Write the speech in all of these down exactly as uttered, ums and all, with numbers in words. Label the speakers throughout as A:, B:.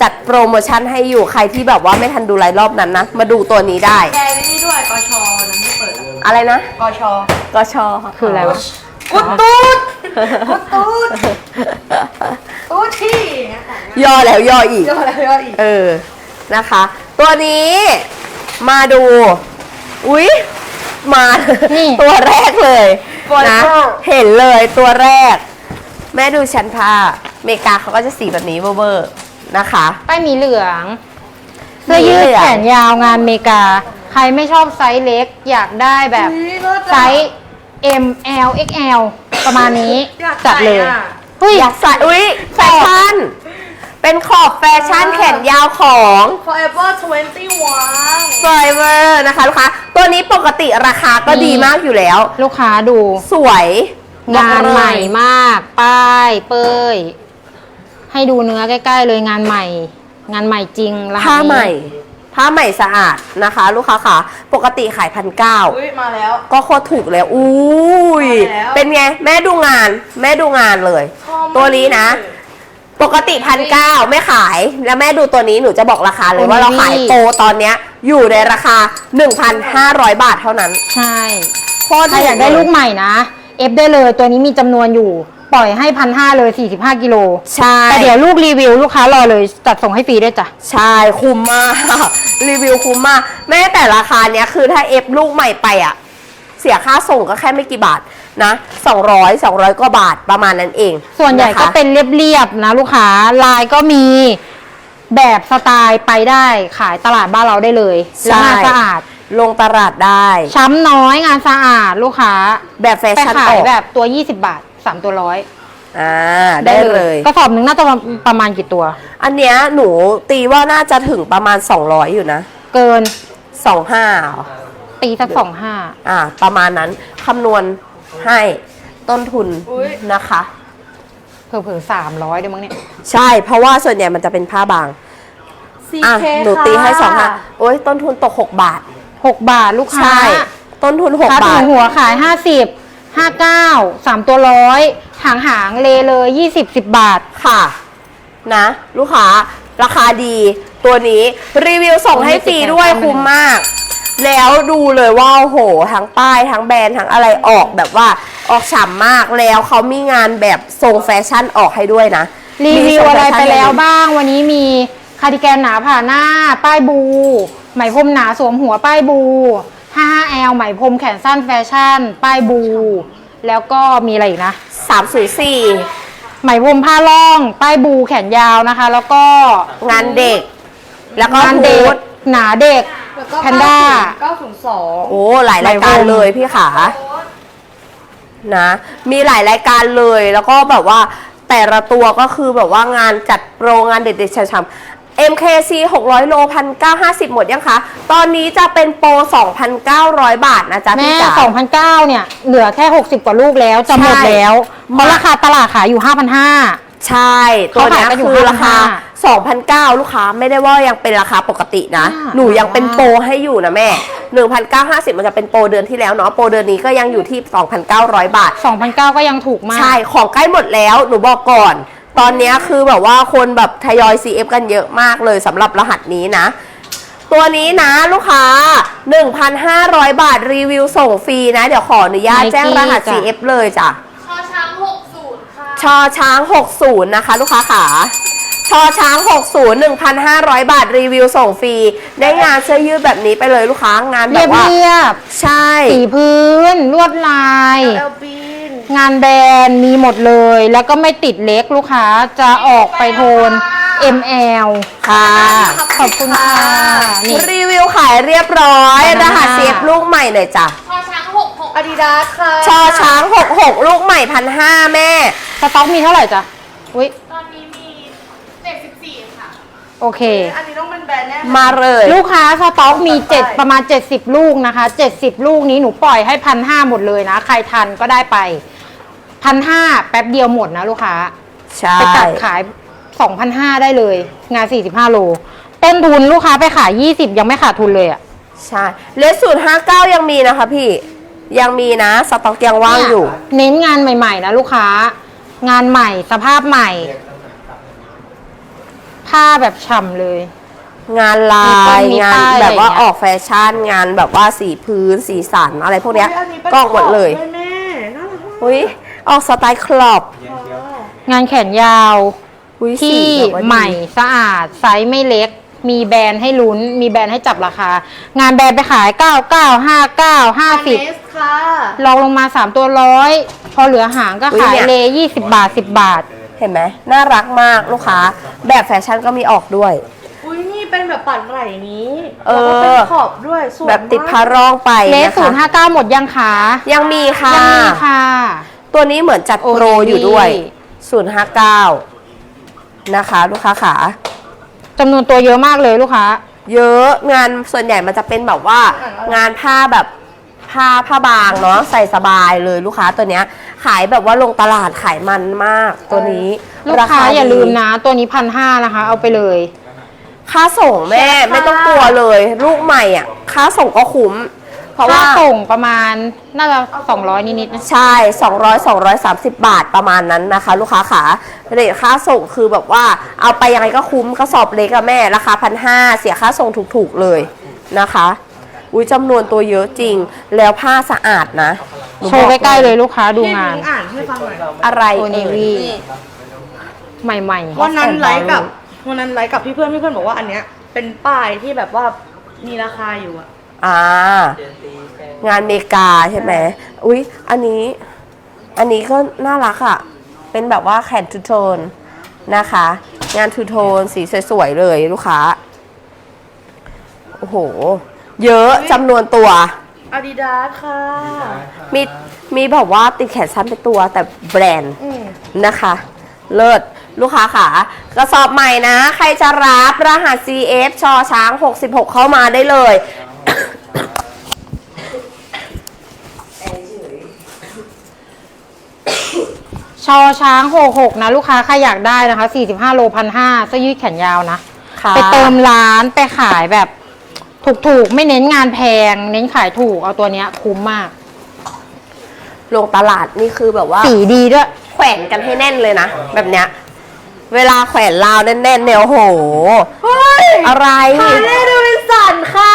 A: จัดโปรโมชั่นให้อยู่ใครที่แบบว่าไม่ทันดูไลฟ์รอบนั้นนะมาดูตัวนี้ได้
B: แกนี่ด้วยกชนั้นที่เปิด
A: อะไรนะ
B: กช
A: กช
C: คืออะไรวะ
B: กุดตูดกุดตูดตูดที่
A: ย่อแล้วย่ออีก
B: ย่อแล้วย่ออีก
A: เออนะคะตัวนี้มาดูอุ๊ยมาตัวแรกเลยนะเห็นเลยตัวแรกแม่ดูชั้นผ้าเมกาเขาก็จะสีแบบนี้เวอร์ๆนะคะ
C: ป้ายมีเหลืองเสื้อยืดแขนยาวงานเมกาใครไม่ชอบไซส์เล็กอยากได้แบบไซส์ M L เอ็กซ์ แอล ประมาณนี้จัดเลย
A: อยากใส่อุ๊ยแฟชั่นเป็นขอบแฟชั่นแขนยาวของ
B: Forever ทเวนตี้วัน
A: Forever นะคะลูกค้าตัวนี้ปกติราคาก็ดีมากอยู่แล้ว
C: ลูกค้าดู
A: สวย
C: งานใหม่มากป้ายเป้ยให้ดูเนื้อใกล้ๆเลยงานใหม่งานใหม่จริง
A: ผ้าใหม่ผ้าใหม่สะอาดนะคะลูกค้าค่ะปกติขายพันเก้า
B: มาแล้ว
A: ก็โคตรถูกแล้วอุ้ยเป็นไงแม่ดูงานแม่ดูงานเลยตัวนี้นะปกติพันเก้าไม่ขายแล้วแม่ดูตัวนี้หนูจะบอกราคาเลยว่าเราขายโปรตอนเนี้ยอยู่ในราคา หนึ่งพันห้าร้อย บาทเท่านั้น
C: ใช่ใครอยากได้ลูกใหม่นะเอฟได้เลยตัวนี้มีจำนวนอยู่ปล่อยให้พันห้าเลยสี่สิบห้ากิโล
A: ใช่
C: แต่เดี๋ยวลูกรีวิวลูกค้ารอเลยจัดส่งให้ฟรีด้วยจ้ะ
A: ใช่คุ้มมากรีวิวคุ้มมากแม้แต่ราคาเนี้ยคือถ้าเอฟลูกใหม่ไปอ่ะเสียค่าส่งก็แค่ไม่กี่บาทนะสองร้อย สองร้อยกว่าบาทประมาณนั้นเอง
C: ส่วนใหญ่ก็เป็นเรียบๆนะลูกค้าลายก็มีแบบสไตล์ไปได้ขายตลาดบ้านเราได้เลยแล้วงานสะอาด
A: ลงตลาดได้
C: ช้ำน้อยงานสะอาดลูกค้า
A: แบบแฟชั่น
C: ไปขายแบบตัวยี่สิบบาทสามตัวร้อย
A: อ่าได้เลย
C: กระสอบหนึ่งน่าจะประมาณกี่ตัว
A: อันเนี้ยหนูตีว่าน่าจะถึงประมาณสองร้อยอยู่นะ
C: เกิน
A: สองห้า
C: ตีสักสองห้า
A: อ่าประมาณนั้นคำนวณให้ต้นทุนนะคะ
C: เผื่อๆสามร้อยได้มั้งเนี่ย
A: ใช่เพราะว่าส่วนใหญ่มันจะเป็นผ้าบางอ่ะหนูตีให้สองห้าโอ้ยต้นทุนตกหกบาท
C: หกบาทลูกค้าใช่
A: ต้นทุนหกบาท
C: หัวขายห้าสิบห้าเก้าสามตัวร้อยหางหางเลเลยยี่สิบสิบบาท
A: ค่ะนะลูกค้าราคาดีตัวนี้รีวิวส่งให้ฟรีด้วยคุ้มมากแล้วดูเลยว่าโอ้โหทั้งป้ายทั้งแบรนด์ทั้งอะไรออกแบบว่าออกฉ่ำมากแล้วเขามีงานแบบทรงแฟชั่นออกให้ด้วยนะ
C: รีวิวอะไรไปแล้วบ้างวันนี้มีคาร์ดิแกนหนาผ่าหน้าป้ายบูไหมพรมหนาสวมหัวป้ายบู ห้า แอล ไหมพรมแขนสั้นแฟชั่นป้ายบูแล้วก็มีอะไรอีกนะ
A: สามศูนย์สี่
C: ไหมพรมผ้าล่องป้ายบูแขนยาวนะคะแล้วก็
A: งานเด็กแล้วก็
C: งานเด็กหนาเด็กแพนด้า
B: เก้าศูนย์สอง
A: โอ้หลายรายการเลยพี่ขานะมีหลายรายการเลยแล้วก็แบบว่าแต่ละตัวก็คือแบบว่างานจัดโปรงานเด็ดๆช้ำๆ เอ็ม เค ซี หกร้อยโล หนึ่งพันเก้าร้อยห้าสิบ หมดยังคะตอนนี้จะเป็นโปร สองพันเก้าร้อย บาทนะจ๊ะพี่จ๋า
C: แม่ สองพันเก้าร้อย เนี่ยเหลือแค่หกสิบกว่าลูกแล้วจะหมดแล้วเพราะราคาตลาดขายอยู่ ห้าพันห้าร้อย
A: ใช่ตัวนี้คือราคา สองพันเก้าร้อย ลูกค้าไม่ได้ว่ายังเป็นราคาปกตินะหนูยังเป็นโปรให้อยู่นะแม่ หนึ่งพันเก้าร้อยห้าสิบ มันจะเป็นโปรเดือนที่แล้วเนาะโปรเดือนนี้ก็ยังอยู่ที่ สองพันเก้าร้อย บาท
C: สองพันเก้าร้อย ก็ยังถูกมาก
A: ใช่ของใกล้หมดแล้วหนูบอกก่อนตอนนี้คือแบบว่าคนแบบทยอย ซี เอฟ กันเยอะมากเลยสำหรับรหัสนี้นะตัวนี้นะลูกค้า หนึ่งพันห้าร้อย บาทรีวิวส่งฟรีนะเดี๋ยวขออนุญาตแจ้งรหัส ซี เอฟ เลยจ้ะ
B: ชอช้างหกสิบค่ะ
A: ชอช้างหกสิบนะคะลูกค้าขาชอช้างหกสิบ หนึ่งพันห้าร้อย บาทรีวิวส่งฟรีได้งานเสื้อยืดแบบนี้ไปเลยลูกค้างานแบบว่า
C: เรียบ
A: ใช่
C: สีพื้นลวดลายงานแบรนด์มีหมดเลยแล้วก็ไม่ติดเล็กลูกค้าจะออกไปโทน เอ็ม แอล
A: ค่ะ
C: ขอบคุณค่ะ
A: นี่รีวิวขายเรียบร้อยรหัสเซฟลูกใหม่เลยจ้ะ
B: ชอช้างหกหกอาดิดาสค่ะ
A: ชอช้างหกหกลูกใหม่พันห้าแม่
C: สต็อกมีเท่าไหร่จ้ะอุ้ย
B: ตอนนี้มีเจ็ดสิบสี่ค่ะ
C: โอเค
B: อันนี้ต้องเป็นแบรนด์แน่
A: มาเลย
C: ลูกค้าสต็อกมีเจ็ดประมาณเจ็ดสิบลูกนะคะเจ็ดสิบลูกนี้หนูปล่อยให้พันห้าหมดเลยนะใครทันก็ได้ไปพันห้าแป๊บเดียวหมดนะลูกค้า
A: ใช่
C: ไปตัดขายสองพันห้าได้เลยงานสี่สิบห้าโลต้นทุนลูกค้าไปขายยี่สิบยังไม่ขาดทุนเลยอ่ะ
A: ใช่เลสสูตรห้าเก้ายังมีนะคะพี่ยังมีนะสต็อกยังว่างอยู่
C: เน้นงานใหม่ๆนะลูกค้างานใหม่สภาพใหม่ผ้าแบบฉ่ำเลย
A: งานลา
C: มีป้าย
A: ย
C: มี
A: งาน
C: ป้าย
A: แบบว่า
C: อะไรอย่างเงี้ย
A: ออกแฟชั่นงานแบบว่าสีพื้นสีสันอะไรพวกเนี้ย
B: อุ๊อันนี้เป็น
A: ก็หมดเลย
B: ขอบแม่น่ารักมาก
A: อุ้ยออกสไตล์คลอบ
C: งานแขนยาว
A: อุ้ยสี
C: ที่
A: แบบว่าดี
C: ใหม่สะอาดไซส์ไม่เล็ก มีแบรนด์ให้ลุ้น มีแบรนด์ให้จับราคา งานแบรนด์ไปขายเก้าเก้า ห้าเก้า ห้าสิบ
B: เนสค่ะ
C: ลองลงมาสามตัวร้อยพอเหลือหางก็ขายเลยยี่สิบบาทสิบบาท
A: เห็นไหมน่ารักมากลูกค้า แบบแฟชั่นก็มีออกด้วย
B: อุ้ยนี่เป็นแบบปัดไหล่นี้
A: เออ
B: แล้วก็เป็นขอบด้วยสวย
A: แบบติด
B: มาก
A: พาร่องไป
C: เลส
A: นะ
C: ศูนย์
A: คะ
C: ห้าเก้าหมดยังคะ
A: ยังมีค่ะ
C: ยังมีค่ะ
A: ตัวนี้เหมือนจัดโปร
C: โอ้ดี
A: อยู่ด้วยศูนย์ห้าเก้านะคะ ลูกค้าขา
C: จำนวนตัวเยอะมากเลยลูกค้า
A: เยอะงานส่วนใหญ่มันจะเป็นแบบว่า งานผ้าแบบผ้าผ้าบางเนาะใส่สบายเลยลูกค้าตัวเนี้ย ขายแบบว่าลงตลาดขายมันมากตัวนี้
C: ลูกค้า
A: ดี
C: อย่าลืมนะ ตัวนี้พันห้านะคะ เอาไปเลย
A: ค่าส่งแม่ไม่ต้องกลัวเลย ลูกใหม่อ่ะค่าส่งก็คุ้ม เพราะ
C: ค่า
A: ว่า
C: ส่งประมาณน่าจะสองร้อยนิดๆนะ
A: ใช่ สองร้อย สองร้อยสามสิบบาทประมาณนั้นนะคะ ลูกค้าขาเรทค่าส่งคือแบบว่าเอาไปยังไงก็คุ้มกระสอบเล็กอะแม่ราคาพันห้าเสียค่าส่งถูกๆเลยนะคะ อุ้ยจำนวนตัวเยอะจริง แล้วผ้าสะอาดนะหนู
C: โชว์
A: บอก
C: ใกล้ๆเลยลูกค้าดู
B: พี่
C: งาน
B: พิงอ่านให้ฟังหน่อย
A: อะไร
C: โอเน
A: เอ่ย
C: วี ใหม่
B: วันนั้นไลฟ์กับวันนั้นไลฟ์กับพี่เพื่อนพี่เพื่อนบอกว่าอันเนี้ยเป็นป้ายที่แบบว่ามีราคาอยู่อะ
A: อ่างานเมกาใช่ไหมอุ๊ย อันนี้ อันนี้ก็น่ารักอ่ะ เป็นแบบว่าแขนทูโทนนะคะ งานทูโทนสีสวยๆเลยลูกค้า โอ้โห เยอะจำนวนตัว
B: อาดิดาสค่ะ
A: มี มีแบบว่าติดแขนสั้นเป็นตัวแต่แบรนด์
B: อืม
A: นะคะ เลิศลูกค้าขากระสอบใหม่นะ ใครจะรับรหัส ซี เอฟ ชอช้างหกสิบหกเข้ามาได้เลย
C: ๆ ชอช้างหกหกนะ ลูกค้าใครอยากได้นะคะสี่สิบห้าโลพันห้าเสื้อยืดแขนยาวนะ
A: ค่ะ
C: ไปเติมร้านไปขายแบบถูกๆ ไม่เน้นงานแพง เน้นขายถูก เอาตัวเนี้ยคุ้มมาก
A: ลงตลาดนี่คือแบบว่า
C: สีดีด้วย
A: แขวนกันให้แน่นเลยนะ แบบเนี้ย เวลาแขวนราวแน่นๆเนี่ยโอ้โห
B: เฮ้ย
A: อะไร
B: ฮาร์เลย์เดวินสันค่ะ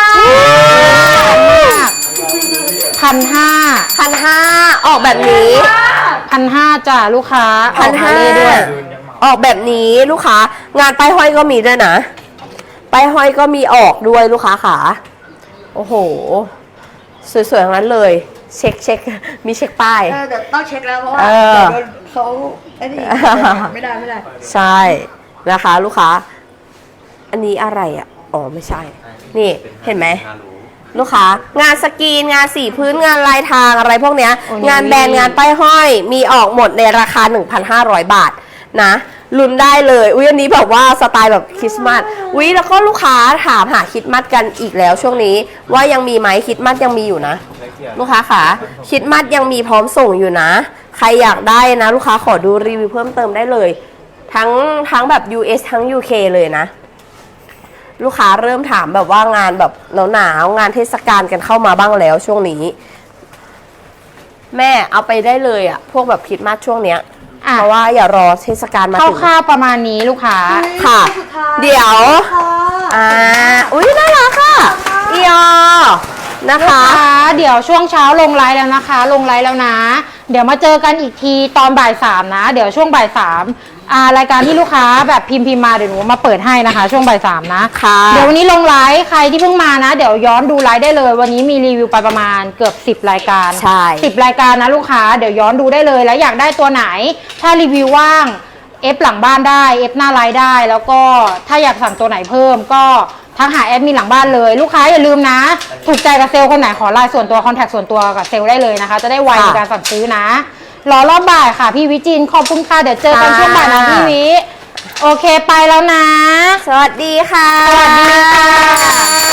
C: พันห้า
A: พันห้าออกแบบนี้
C: พันห้าจ้ะลูกค้า
A: พันห้า
C: ออกมเลยด้วย
A: ออกแบบนี้ลูกค้า งานป้ายห้อยก็มีด้วยนะป้ายห้อยก็มีออกด้วยลูกค้าขาโอ้โห สวยๆทั้งนั้นเลย เช็คเช็คมีเช็คป้าย
B: เออเดี๋ยวต้องเช็คแล้วเพราะว่า
A: เออ
B: เดี๋ยวโดนเขาไอ้นี่ไม่ได้ไม่ได้
A: ใช่นะคะลูกค้า อันนี้อะไรอ่ะอ๋อไม่ใช่ นี่เห็นไหมลูกค้างานสกรีนงานสีพื้นงานลายทางอะไรพวกเนี้ย
C: โอ้ย
A: งานแบรนด์งานป้ายห้อยมีออกหมดในราคา หนึ่งพันห้าร้อย บาทนะลุ้นได้เลยอุ้ยอันนี้แบบว่าสไตล์แบบคริสต์มาสอุ้ยแล้วก็ลูกค้าถามหาคริสต์มาสกันอีกแล้วช่วงนี้ว่ายังมีไหมคริสต์มาสยังมีอยู่นะ ลูกค้าขาคริสต์มาสยังมีพร้อมส่งอยู่นะ ใครอยากได้นะ ลูกค้าขอดูรีวิวเพิ่มเติมได้เลย ทั้งทั้งแบบ ยู เอส ทั้ง ยู เค เลยนะ ลูกค้าเริ่มถามแบบว่างานแบบหนาวๆงานเทศกาลกันเข้ามาบ้างแล้วช่วงนี้ แม่เอาไปได้เลยอะพวกแบบคริสต์มาสช่วงเนี้ย
C: อ่ะ
A: เพราะว่าอย่ารอเทศกาลมาถึง
C: คร่าวๆประมาณนี้ลูกค้า
A: ค่ะ
B: สุดท้าย
A: เดี๋ยว
B: ค่ะ
A: อ่าอุ้ยน่ารักค่ะอีอนะ
C: ลูก
A: คะ
C: ค้าเดี๋ยวช่วงเช้าลงไลฟ์แล้วนะคะ ลงไลฟ์แล้วนะ เดี๋ยวมาเจอกันอีกทีตอนบ่ายสามนะ เดี๋ยวช่วงบ่ายสามอ่ารายการที่ลูกค้าแบบพิมพ์พิมพ์มาเดี๋ยวหนูมาเปิดให้นะคะ ช่วงบ่ายสามนะ
A: ค่ะ
C: เดี๋ยววันนี้ลงไลฟ์ใครที่เพิ่งมานะ เดี๋ยวย้อนดูไลฟ์ได้เลย วันนี้มีรีวิวไปประมาณเกือบสิบรายการ
A: ใช่
C: สิบรายการนะลูกค้าเดี๋ยวย้อนดูได้เลยแล้วอยากได้ตัวไหน ถ้ารีวิวว่างเอฟหลังบ้านได้เอฟหน้าไลฟ์ได้ แล้วก็ถ้าอยากสั่งตัวไหนเพิ่มก็ทักหาแอดมินหลังบ้านเลยลูกค้าอย่าลืมนะ ถูกใจกับเซลล์คนไหนขอไลน์ส่วนตัวคอนแทคส่วนตัวกับเซลล์ได้เลยนะคะ จะได้ไวในการสั่งซื้อนะรอรอบบ่ายค่ะพี่วิจินขอบคุณค่ะเดี๋ยวเจอกันช่วงบ่ายนะพี่วิโอเคไปแล้วนะ
A: สวัสดีค่ะ
C: สวัสดีค่ะ